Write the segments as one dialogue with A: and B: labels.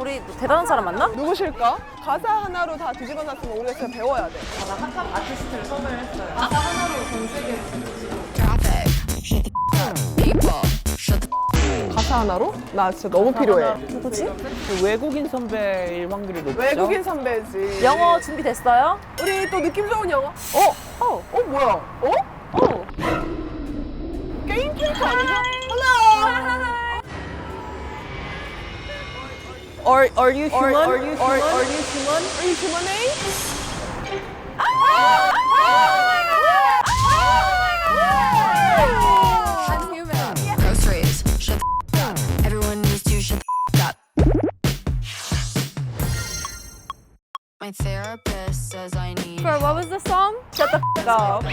A: 우리 대단한 사람 맞나?
B: 누구실까? 가사 하나로 다 뒤집어 놨으면 우리가 진짜 배워야 돼.
A: 나 핫한 아티스트를 섭외했어요. 가사 하나로 전 세계를
B: 가사 하나로? 나 진짜 너무 필요해.
A: 누구지?
C: 외국인 선배일 확률이 높죠?
B: 외국인 선배지.
A: 영어 준비됐어요?
B: 우리 또 느낌 좋은 영어. 뭐야? 게임 캐릭터 아니죠? Hello.
C: Are you human?
B: Are you human? Are you humane?
D: I'm human. Groceries. Shut the up. Everyone needs to shut the up. My therapist says I need.
E: For what was the song?
A: Shut the f*** up.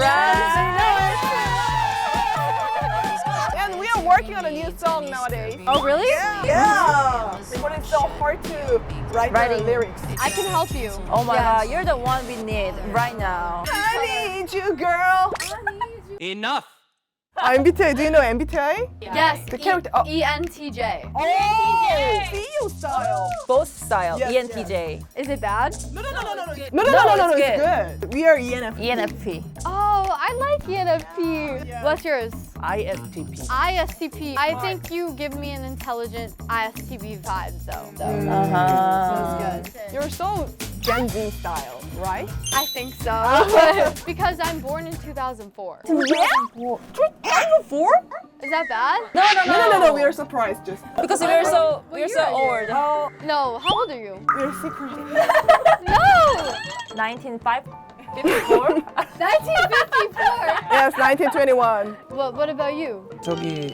B: And we are working on a new song nowadays.
E: Oh, really?
B: Yeah. But it's so hard to write the
A: Writing.
B: lyrics.
E: I can help you.
A: Oh my god, you're the one we need right now.
B: I need you, girl.
C: Enough!
B: MBTI, do you know MBTI?
E: Yes.
B: The character. Oh.
E: ENTJ.
B: Oh, CEO style.
A: Both style,
B: Yes,
A: ENTJ.
E: Is it bad?
B: No,
A: it's
B: it's good. We are ENFP.
A: ENFP.
E: Oh, I like ENFP. What's yours?
C: ISTP.
E: ISTP. I think you give me an intelligent ISTP vibe, though.
A: Uh-huh.
E: Good.
B: You're so Gen Z style, right?
E: I think so. Because I'm born in 2004.
A: Yeah? 2004?
E: Is that bad?
B: No. We are surprised. Just
A: Because we're so old.
E: No. How old are you?
B: we are secret.
E: No!
A: 1954?
E: 1954.
B: Yes, 1921.
E: What about you?
C: 저기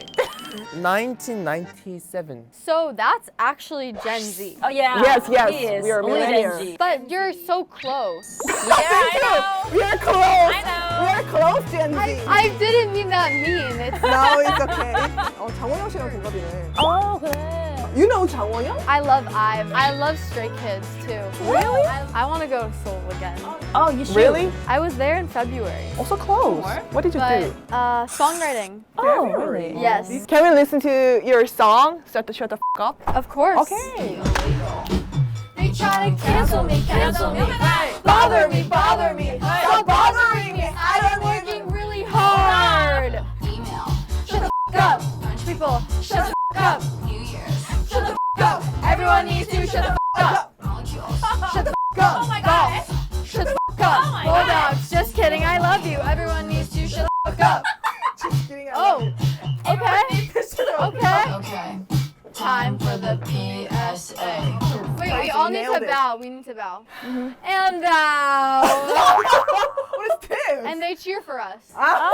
C: 1997.
E: So that's actually Gen Z.
A: Oh yeah.
B: Yes,
A: He is.
B: we are
A: Only Gen
B: millennials.
A: Z.
E: But you're so close.
A: Yeah, I
B: We are close.
A: I know.
B: We are close, Gen Z.
E: I didn't mean that mean. It's
B: No, it's okay. 장원영 씨랑 동갑이네.
A: know. 어 그래.
B: You know 장원영?
E: I love IVE. I love Stray Kids too.
B: Really?
E: I want to go to Seoul again.
A: Oh, you should.
B: Really?
E: I was there in February.
B: Also close. What did you
E: But
B: do?
E: songwriting.
A: Oh, really?
E: Yes.
B: Can we listen to your song? Shut the f up.
E: Of course.
B: Okay.
E: They try to cancel me. Bother me. Stop bothering me. I'm working really hard.
D: Email.
E: Shut the up. People, shut the up.
D: New Year's.
E: Shut the up. Everyone needs to shut the up.
D: Molecules.
E: Shut the up. Oh my god. Shut the up. Bulldogs. Just kidding. I love you. Everyone needs to shut the up. Oh. Okay. Okay.
D: Okay. Time for the PSA.
E: Wait, we all need
B: nailed
E: to
B: it.
E: bow. We need to bow. And bow.
B: What is this?
E: And they cheer for us.
B: Ah.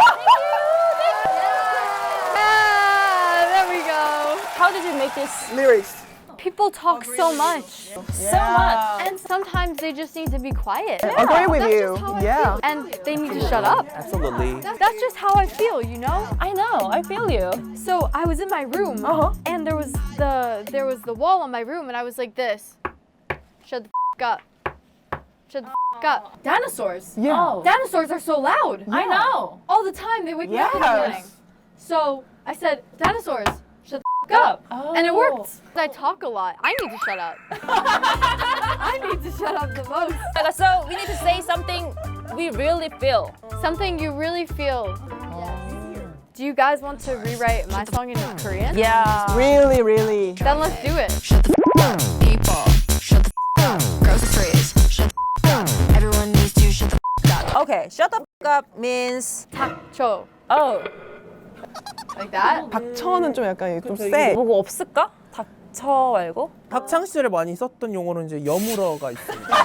E: Yeah, there we go.
A: How did you make this
B: Lyrics.
E: People talk so much.
A: so much?
E: And sometimes they just need to be quiet.
B: Agree with
E: That's
B: you.
E: just how I
B: Yeah.
E: feel. And they need to shut up.
C: Absolutely.
E: That's just how I feel, you know?
A: I know. I feel you.
E: So I was in my room and there was the wall on my room and I was like this. Shut the up. Shut the up. Dinosaurs.
B: Yeah.
A: Oh.
E: Dinosaurs are so loud.
A: I know.
E: All the time they wake me up in the
B: Yes.
E: morning. So I said, dinosaurs, shut the up. And it worked. I talk a lot. I need to shut up. I need to shut up the most.
A: So we need to say something we really feel.
E: Something you really feel. Do you guys want to rewrite my song in Korean?
A: Yeah.
B: Really, really.
E: Then let's do it.
D: Shut the up. People. Shut the up. Groceries. Shut the up. Everyone needs to shut the up.
A: Okay. Shut the f up means.
E: 닥쳐.
A: Oh.
E: Like that?
B: 닥쳐는 좀 약간 좀 세.
A: 뭐가 없을까? 닥쳐 말고?
C: 학창 시절에 많이 썼던 용어는 이제 여물어가 있습니다.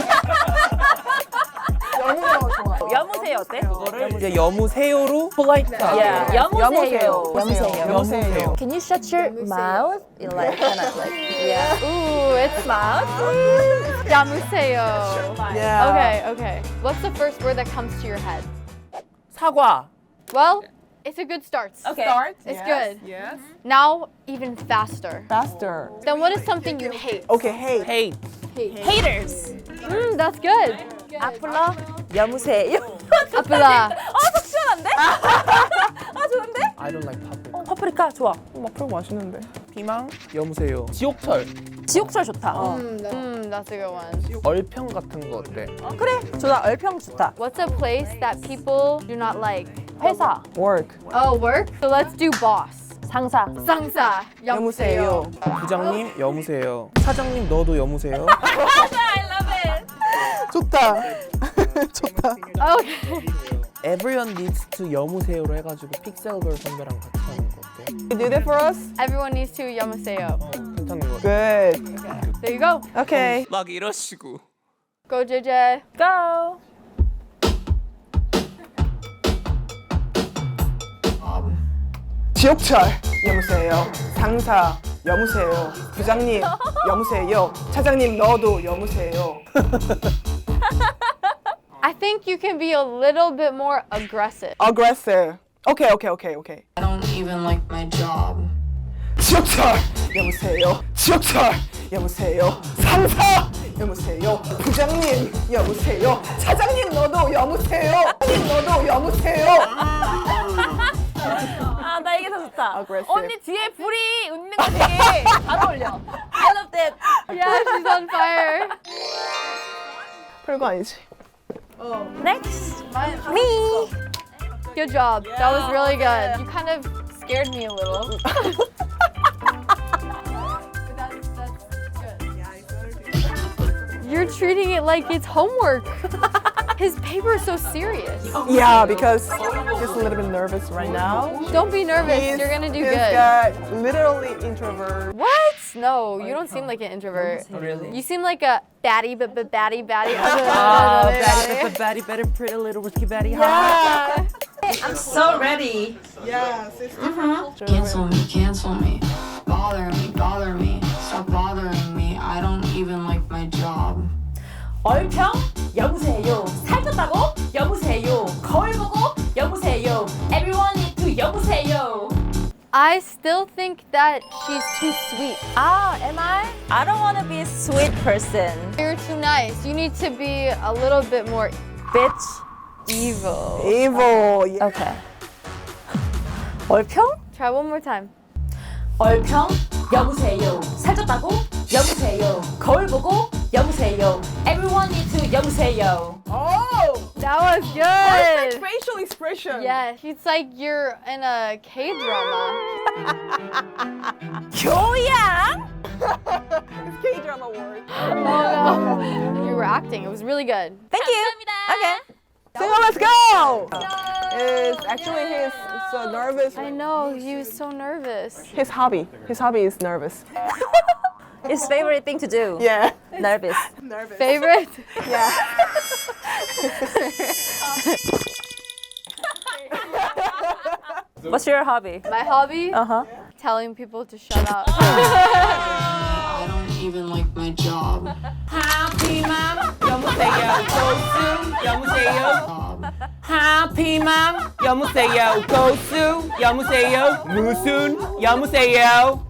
B: 영어가 좋아.
A: 여무세요 어때?
C: 그거를 이제 여무세요로 polite.
A: Yeah. 여무세요.
C: 여무세요.
A: Can you shut your mouth? You like kind of like yeah.
E: Ooh, it's
A: Mouth.
E: 야무세요.
B: Yeah.
E: Okay. What's the first word that comes to your head?
C: 사과.
E: Well, it's a good start.
A: Okay.
E: It's good.
B: Yes.
E: Now, even faster.
B: Faster.
E: Then what is something you hate?
B: Okay, hey.
C: hate.
A: Haters.
E: That's good.
A: 아플러 여무세요.
E: 아프다.
A: 속 시원한데? 아 좋은데?
C: I don't like paprika.
A: 파프리카 좋아.
B: 마플 맛있는데.
C: 피망 여무세요. 지옥철.
A: 지옥철 좋다.
E: That's a good one.
C: 얼평 같은 거 어때?
A: 그래, 좋다. 얼평 좋다.
E: What's a place that people do not like?
A: 회사.
C: Work.
E: Oh, work? So let's do boss.
A: 상사.
E: 상사.
B: 여무세요.
C: 부장님 여무세요. 사장님 너도 여무세요.
A: I love it.
B: 좋다. 좋다.
E: Okay.
C: Everyone needs to 여무세요로 해가지고 픽셀걸 선배랑 같이 하는 거 어때?
B: You do that for us?
E: Everyone needs to yamaseo.
C: 괜찮은 거 같아.
B: Good.
E: There you go.
B: Okay.
C: 막 이러시고.
E: Go, JJ.
A: Go.
B: 지옥철 여무세요. 상사 여무세요. 부장님 여무세요. 차장님 너도 여무세요.
E: I think you can be a little bit more aggressive.
B: Aggressive. Okay.
D: I don't even like my job.
B: 지옥철 여무세요. 지옥철 여무세요. 상사 여무세요. 부장님 여무세요. 차장님 너도 여무세요. 차장님 너도 여무세요.
A: 아, 나 이게 더 좋다.
B: Aggressive.
A: 언니 뒤에 불이 웃는 거 되게 잘 어울려. I love that.
E: Yeah, she's on fire.
B: 별거 아니지.
A: Next. Me.
E: Good job. That was really good. You kind of scared me a little. You're treating it like it's homework. His paper is so serious.
B: Yeah, because just a little bit nervous right now.
E: Don't be nervous. You're gonna do
B: This
E: good.
B: guy literally introvert.
E: What? No, you don't seem like an introvert.
C: Really?
E: You seem like a batty.
A: Batty, better, pretty little whiskey, batty,
E: Yeah.
A: I'm so ready.
B: Yes, it's
D: Cancel me. Bother me. Stop bothering me. I don't even like my job.
A: 얼평? 여보세요. 살쪘다고? 여보세요. 거울 보고? 여보세요. Everyone need to 여보세요.
E: I still think that she's too sweet.
A: Ah, am I? I don't want to be a sweet person.
E: You're too nice. You need to be a little bit more
A: Bitch.
E: evil.
B: evil. Yeah.
A: Okay. 얼평?
E: Try one more time.
A: 얼평? 여보세요. 살쪘다고? 여보세요. 거울 보고? 여보세요. Everyone need to 여보세요.
B: Oh,
E: That was
B: perfect
E: good.
B: facial expression.
E: Yes, it's like you're in a K-drama.
A: 교양?
B: It's K-drama word.
E: Oh no. You were acting. It was really good.
A: Thank you. Okay.
B: So let's go. It's actually his so nervous.
E: I know, he was so nervous.
B: His hobby. His hobby is nervous.
A: His favorite thing to do.
B: Yeah.
A: Nervous.
B: Nervous.
E: Favorite?
B: Yeah.
A: What's your hobby?
E: My hobby?
A: Uh-huh.
E: Telling people to shut up.
D: I don't even like my job.
F: 하피맘 여보세요 고수 여보세요
D: Job.
F: 하피맘 여보세요 고수 여보세요 무슨 여보세요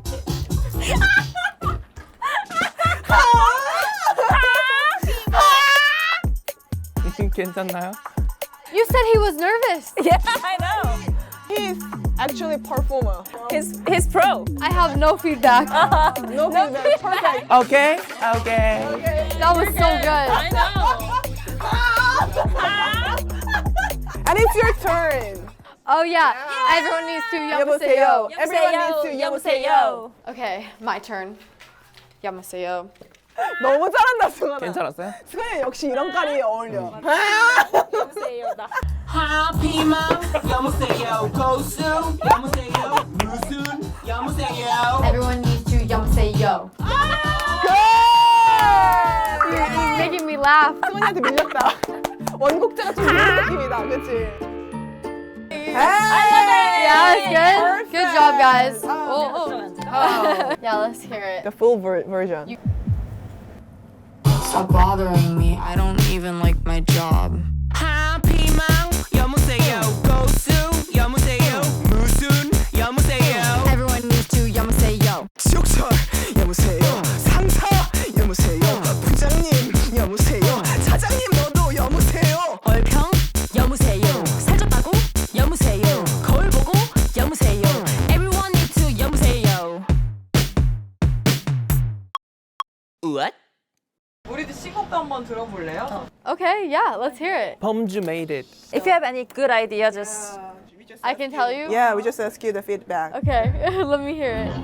C: 괜찮나요?
E: You said he was nervous.
A: Yeah, I know.
B: He's actually a performer.
A: He's pro.
E: I have no feedback.
B: No feedback. Perfect.
C: Okay.
E: That was so good.
B: And it's your turn.
E: Oh yeah. Everyone needs to
B: 여보세요.
E: yamaseo.
B: Everyone needs to 여보세요.
E: Okay, my turn. Yamaseo.
B: 너무 잘한다, 승환아.
C: 괜찮았어요?
B: 승환이 역시 이런 깔이 어울려.
F: 하피맘 여보세요 고수 여보세요 무슨 여보세요
E: Everyone needs to yamaseo.
B: Good!
E: You're making me laugh.
B: 승환이한테 밀렸다. 원곡자가 좀 밀린 느낌이다, 그치?
E: Yeah, that's good. Good job, guys. Oh. Yeah, let's hear it.
B: The full version.
D: Stop bothering me. I don't even like my job.
F: 하피맘 여보세요 고수 여보세요 무슨 여보세요
D: Everyone needs to yamaseo.
B: 지옥철 여보세요. 상사 여보세요. 부장님 여보세요. 차장님 너도 여보세요.
A: 얼평? 여보세요. 살쪘다고? 여보세요. 거울 보고? 여보세요.
E: yeah, let's hear it.
C: 범주 made it.
A: If you have any good idea, just
E: I can tell you?
B: Yeah, we just ask you the feedback.
E: Okay, let me hear it.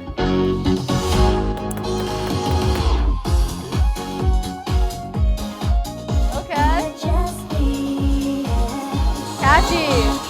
E: Okay. Catchy.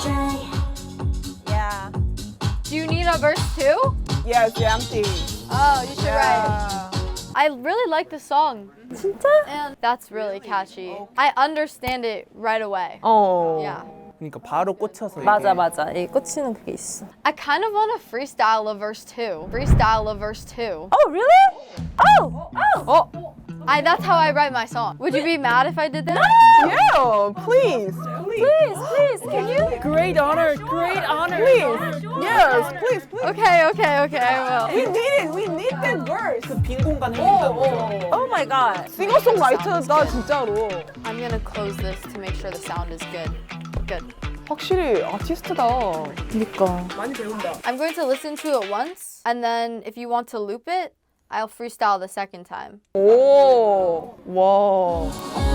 A: yeah.
E: Do you need a verse too?
B: Yeah, it's empty.
E: Oh, you should write.
B: Yeah.
E: I really like the song.
A: 진짜?
E: And that's really catchy. I understand it right away.
B: Oh.
E: Yeah.
C: 그러니까 바로 꽂혀서.
A: 맞아
C: 이게.
A: 맞아. 이 꽂히는 그게 있어.
E: I kind of want to freestyle a verse too. Freestyle a verse too.
A: Oh really? Oh oh.
E: That's how I write my song. Would you be mad if I did that?
B: Yeah, please.
A: Please, can you?
C: Great honor, great honor.
B: Please. Yes, please.
E: Okay, I will.
B: We need it. We need that verse.
C: 빈 공간 생긴다는 거죠.
A: Oh my god.
B: 싱어송라이터다 진짜로.
E: I'm gonna close this to make sure the sound is good. Good.
B: 확실히 아티스트다.
A: 그니까.
B: 많이 배운다.
E: I'm going to listen to it once, and then if you want to loop it, I'll freestyle the second time.
B: 오. 와.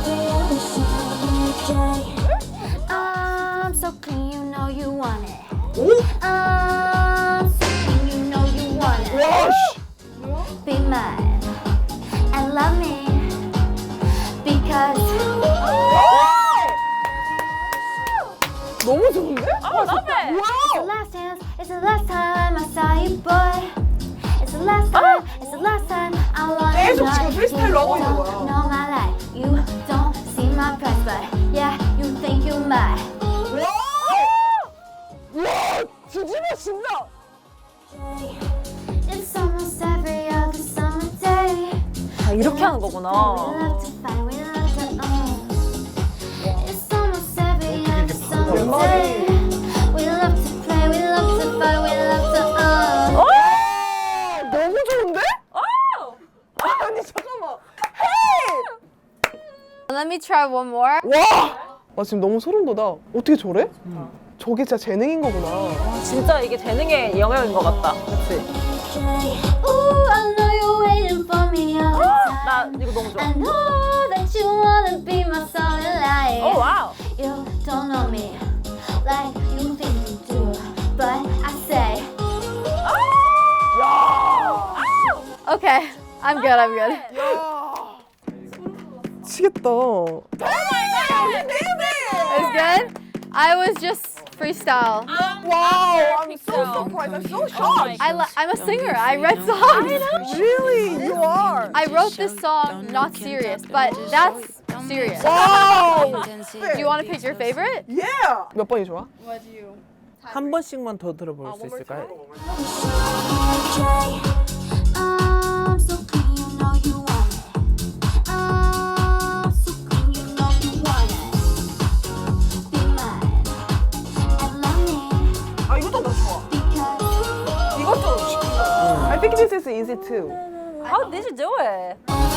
G: I'm so clean, you know you want it.
B: 오?
G: I'm so clean, you know you want it.
B: 와. 씨.
G: Be mine and love me because
B: 너무 좋은데?
A: Oh, love it.
G: it's the last chance, it's the last time I saw you, boy. It's the last time, it's the last time I wanna
B: 계속
G: know.
B: 지금 프리스타일로 하고 있는 거야.
G: You know my life, you don't see my price, but yeah, you think you might.
B: 와, 뒤집어 진다.
G: It's almost every other summer day.
A: 아 이렇게 하는 거구나.
G: We love to fight, we love to It's almost every other summer day. We love to play, we love to fight, we love to
B: 너무 좋은데? 아니 잠깐만. 헤이!
E: Let me try one more.
B: 와! 나 지금 너무 소름 돋아. 어떻게 저래? 저게 진짜 재능인 거구나.
A: 진짜 이게 재능의 영역인 것 같다. 그렇지?
G: Ooh, I know you're waiting for me all the time.
A: 나 이거 너무 좋아.
G: I know that you wanna be my solid light.
A: 오 와우.
G: You don't know me like you think you do, but I say.
E: Okay, I'm good.
B: 미치겠다.
E: It's good? I was just freestyle.
B: Wow, I'm so surprised. I'm so shocked.
E: I'm a singer. I write songs.
B: Really? You are?
E: I wrote this song not serious, but that's serious.
B: Wow!
E: Do you want to pick your favorite?
B: Yeah! 몇 번이 좋아?
E: What do you?
C: 한 번씩만 더 들어볼 수 있을까요?
G: I'm so clean, you know you want it. I'm so clean, you know you want it. Be mine and love me
B: 아, 이것도 나 좋아.
G: because
B: 이것도. I think this is easy too.
A: How did you do it?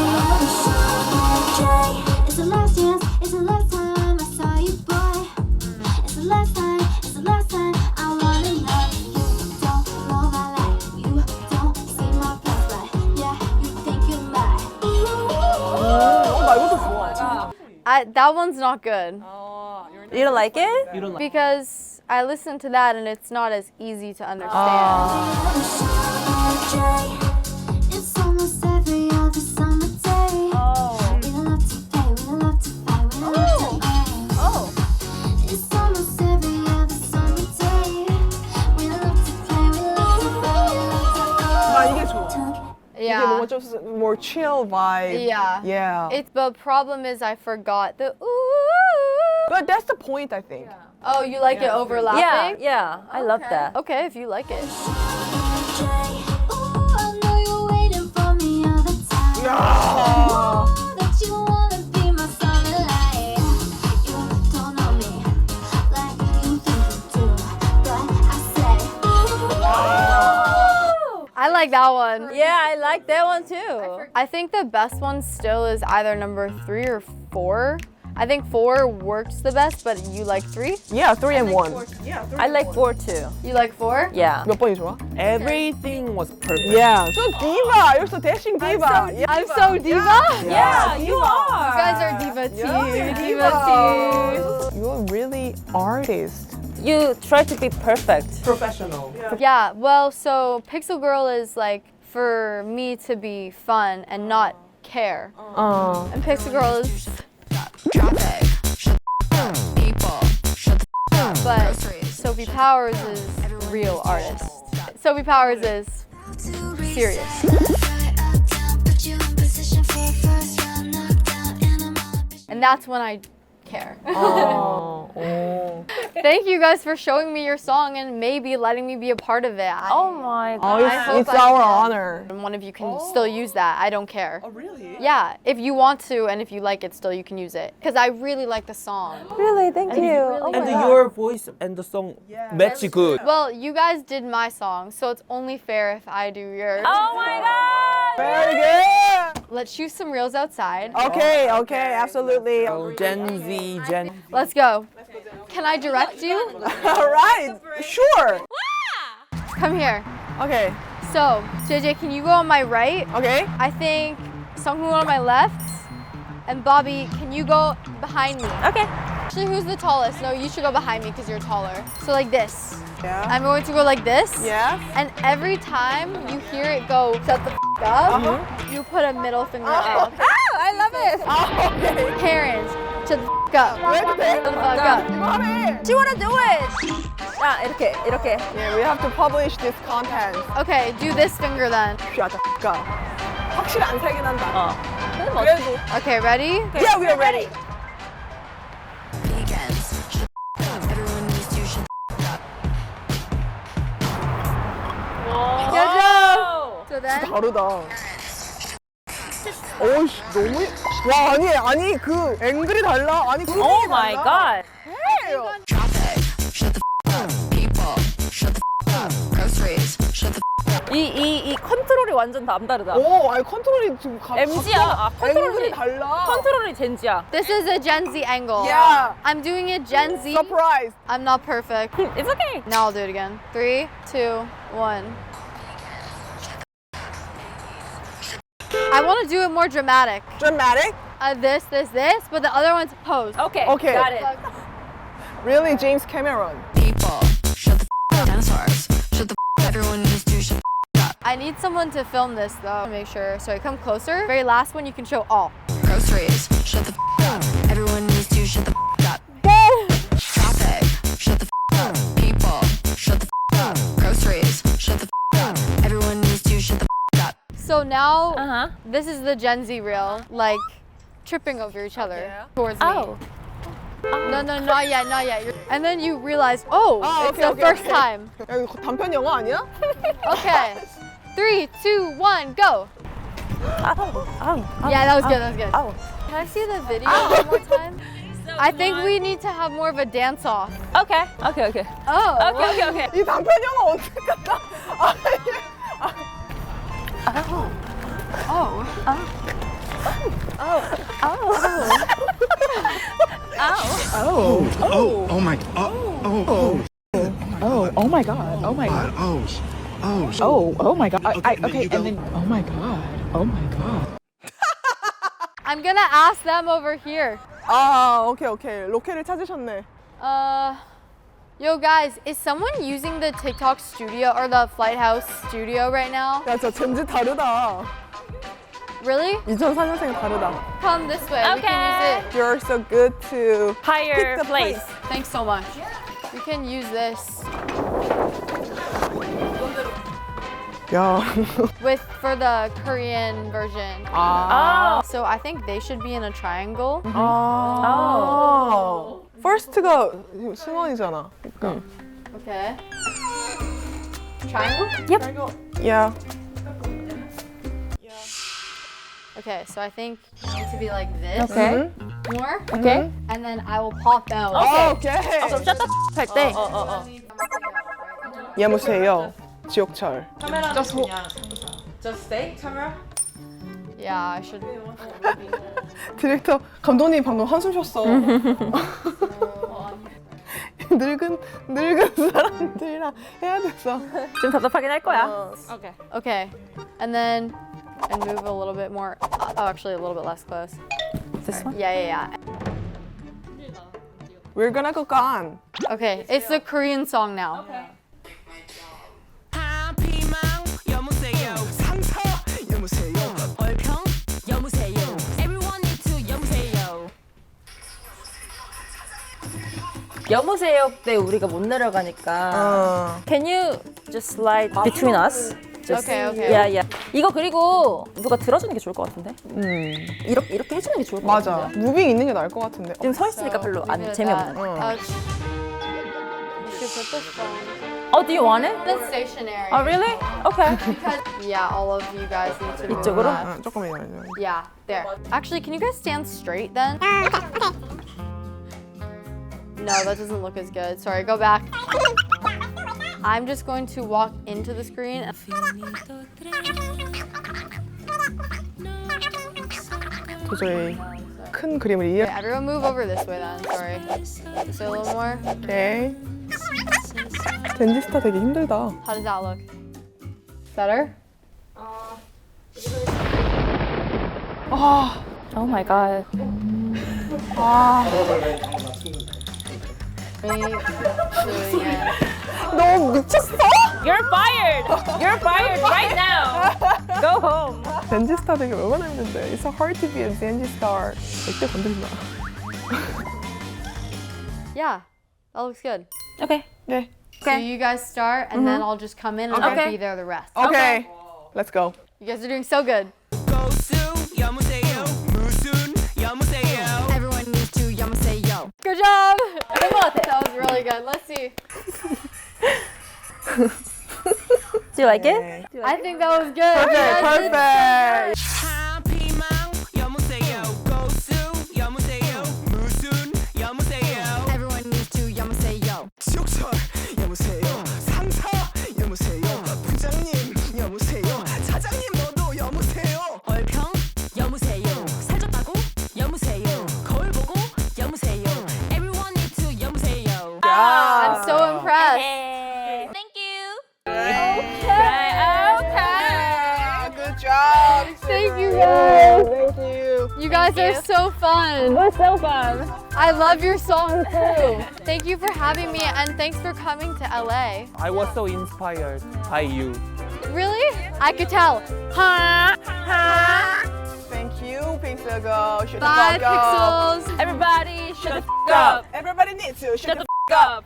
G: it's the last chance, it's the last time I saw you, boy. It's the last time, it's the last time I wanna know. You don't know my life, you don't see my past, but yeah, you think you might.
B: 나 이것도 좋아.
E: That one's not good
A: You don't like it?
C: 이런
E: because I listened to that and it's not as easy to understand.
G: It's almost every other summer day. We love to play, we love to fight, we love to It's almost every other summer day. We love to play, we love to fight, we love
B: 나 이게 좋아. 이게
E: Yeah.
B: 뭔가 좀 more chill vibe.
E: Yeah.
B: Yeah.
E: It's the problem is I forgot the ooh.
B: But that's the point, I think.
E: Oh, you like it overlapping?
A: Yeah, I love that.
E: Okay, if you like it.
G: Ooh, I know you're waiting for me all the time.
B: 야.
G: That you wanna be my solid light. You don't know me like you think you do, but I say.
E: I like that one.
A: Yeah, I like that one too.
E: I think the best one still is either number 3 or 4. I think 4 works the best, but you like 3?
B: Yeah, 3 and 1.
A: I like 4 too.
E: You like 4?
A: Yeah.
B: 몇 번이 좋아?
C: Everything was perfect.
B: Yeah. So diva. You're so dashing diva. Yeah.
E: I'm so diva.
A: Yeah, you
E: You
A: are.
E: guys are diva too.
B: Yeah,
E: Diva too.
B: You're really artist.
A: You try to be perfect.
C: Professional.
E: Yeah, well, so Pixel Girl is like for me to be fun and not care. And Pixel Girl is
D: Traffic. Shut the up. People. Shut the up.
E: but Sophie Powers is a real artist. Sophie Powers is serious. And that's when I care. Thank you guys for showing me your song and maybe letting me be a part of it.
A: Oh my
B: Oh,
A: god.
E: I hope
B: it's
E: I
B: our
E: can.
B: honor.
E: And one of you can still use that. I don't care.
C: Oh, really?
E: Yeah, if you want to and if you like it still, you can use it. Because I really like the song.
A: Really? Thank you. Oh
C: And
A: my God.
C: your voice and the song match good.
E: Well, you guys did my song, so it's only fair if I do yours.
A: Oh my god.
B: Very good.
E: Let's shoot some reels outside.
B: Okay, okay, absolutely.
C: Oh, Gen Z, Gen.
E: Let's go. Can I direct you?
B: All right, sure.
E: Come here.
B: Okay,
E: So, JJ, can you go on my right?
B: okay.
E: I think Sunghoon on my left. And Bobby, can you go behind me?
A: Okay.
E: Actually, who's the tallest? No, you should go behind me because you're taller. So like this.
B: Yeah.
E: I'm going to go like this.
B: Yeah.
E: And every time you hear it go, shut the f up, you put a middle finger up.
A: Oh, I love it.
B: Okay.
E: Parents, shut the f up.
B: Ready?
E: Shut the fuck up.
B: Mommy.
A: Do you wanna do it? 아, 이렇게.
B: Yeah, we have to publish this content.
E: Okay, do this finger then.
B: Shut the fuck up. 확실히 안 살긴 한다.
A: 근데 뭐
B: 그래도.
E: Okay, ready?
B: Yeah, we are ready.
D: Weekends. Shut the up. Everyone needs to shut the up.
E: Good job. So then,
B: 다르다. 오이씨, 너무. 와, 아니, 그 앵글이 달라. 아니, 그.
A: Oh my god.
D: Traffic. Shut the up. People. Shut the up. Groceries. Shut the
A: 이 컨트롤이 완전 남다르다.
B: 오, 아니, 컨트롤이 지금
A: MG야. 아,
B: 앵글이
A: 컨트롤이
B: 달라.
A: 컨트롤이 젠지야.
E: this is a Gen Z angle.
B: Yeah.
E: I'm doing it Gen Z.
B: Surprise.
E: I'm not perfect.
A: It's okay.
E: Now I'll do it again. 3, 2, 1. I want to do it more dramatic.
B: Dramatic?
E: This, but the other one's pose.
A: Okay.
B: Okay.
A: Got it.
B: Really, James Cameron.
D: people. Shut the up. Dinosaurs. Shut the up. Everyone needs to shut the up.
E: I need someone to film this though. Make sure. Sorry, come closer. Very last one, you can show all.
D: Groceries. Shut the up. Everyone needs to shut the up. Traffic. Shut the up. People. Shut the up. Groceries. Shut the up. Everyone needs to shut the up.
E: So now,
A: Uh-huh.
E: this is the Gen Z reel, like tripping over each other towards me.
A: Oh.
E: No, not yet, not yet. And then you realize, oh, it's
B: okay,
E: the
B: okay,
E: first
B: okay.
E: time.
B: 야, 이거 단편 영화 아니야?
E: Okay. 3, 2, 1, go. Yeah, that was good, that was good.
A: Oh.
E: Can I see the video one more time? I think we need to have more of a dance off.
A: Okay.
E: Oh.
A: Okay.
B: 이 단편 영화 어떻게 갔다?
H: Oh my god. Oh my god. Okay, and then oh my god.
E: I'm gonna ask them over here.
B: 아, 오케이. 로켓을 찾으셨네.
E: Yo guys, is someone using the TikTok studio or the Flight House studio right now?
B: 야, 진짜 젠지 다르다.
E: Really?
B: 2004년생 다르다.
E: Come this way, we can use it.
B: You're so good to
A: Higher
B: pick the
A: place.
E: Thanks so much. We can use this
B: 야.
E: for the Korean version.
A: Oh.
E: So I think they should be in a triangle.
B: 아. First가 승원이잖아.
E: Okay. Triangle?
B: Yeah.
E: Okay, so I think you need to be like this.
A: Okay.
E: More.
A: Okay.
E: And then I will pop out.
B: 오케이.
A: 그럼 샷다 할 때.
B: 여보세요. 지옥철.
E: Yeah, I should.
B: 디렉터 감독님 방금 한숨 쉬었어. 늙은 사람들이랑 해야 됐어.
A: 좀 답답하긴 할 거야.
E: Okay. Okay. And move a little bit more. Oh, actually, a little bit less close.
A: This one?
E: Yeah.
B: We're gonna go gone.
E: Okay, it's the Korean song now.
F: 피망 여무세요 상처 여무세요 얼평 여무세요 Everyone need to 여무세요
A: 여무세요 때 우리가 못 내려가니까. Can you just slide between us? Just,
E: Okay.
A: Yeah. 이거 그리고 누가 들어주는 게 좋을 것 같은데? 이렇게 해주는 게 좋을 것
B: 맞아.
A: 같은데?
B: 무빙 있는 게 나을 것 같은데.
A: 지금 서 있으니까 별로
E: Leave it
A: 안
E: at
A: 재미없는.
E: that. You should put this phone.
A: Oh, do you want it?
E: That's stationary.
A: Oh, really? Okay.
E: Yeah, all of you guys need to move
A: 이쪽으로?
E: that.
B: 조금만요.
E: Yeah, there. Actually, can you guys stand straight then? No, that doesn't look as good. Sorry, go back. I'm just going to walk into the screen.
B: 도저히 큰 그림을 이해.
E: Okay, everyone move over this way then. Sorry. Just a little more.
B: 오케이. 젠지스타 되게 힘들다.
E: How does that look? Better?
A: Oh my god.
E: Me doing it.
B: 너 미쳤어?
A: You're fired! You're fired right now! Go home!
B: 젠지스타 되게 얼마나 힘든데. It's so hard to be a 젠지스타. 절대 건드리지 마.
E: Yeah, that looks good.
A: Okay.
B: 네.
E: So you guys start, and then I'll just come in and
A: Okay.
E: I'll be there the rest.
B: 오케이. Let's go.
E: You guys are doing so good.
F: 고수 여무세요 무슨 여무세요
D: Everyone needs to 여무세요.
E: Good job! That was really good. Let's see.
A: Do you like it?
E: I think that was good. You guys did-
B: Perfect.
F: 피망 여무세요 고수 여무세요 무슨 여무세요
D: Everyone needs to 여무세요.
F: 지옥철 여무세요 상사 여무세요 부장님 여무세요 차장님 너도 여무세요 얼평 여무세요 살쪘다고 여무세요 거울 보고 여무세요 Everyone need to 여무세요
E: I'm so impressed.
A: Thank you.
B: Good job.
E: Thank you guys.
B: Thank you.
E: You guys are so fun.
A: It was so fun.
E: I love your song too. Thank you for having me and thanks for coming to LA.
C: I was so inspired by you.
E: Really? I could tell. Huh?
B: Thank you, Pixel Girl. Shut the
E: Bye,
B: fuck up.
E: Pixels.
A: Everybody, shut the f up.
B: Everybody needs to shut the
A: F up.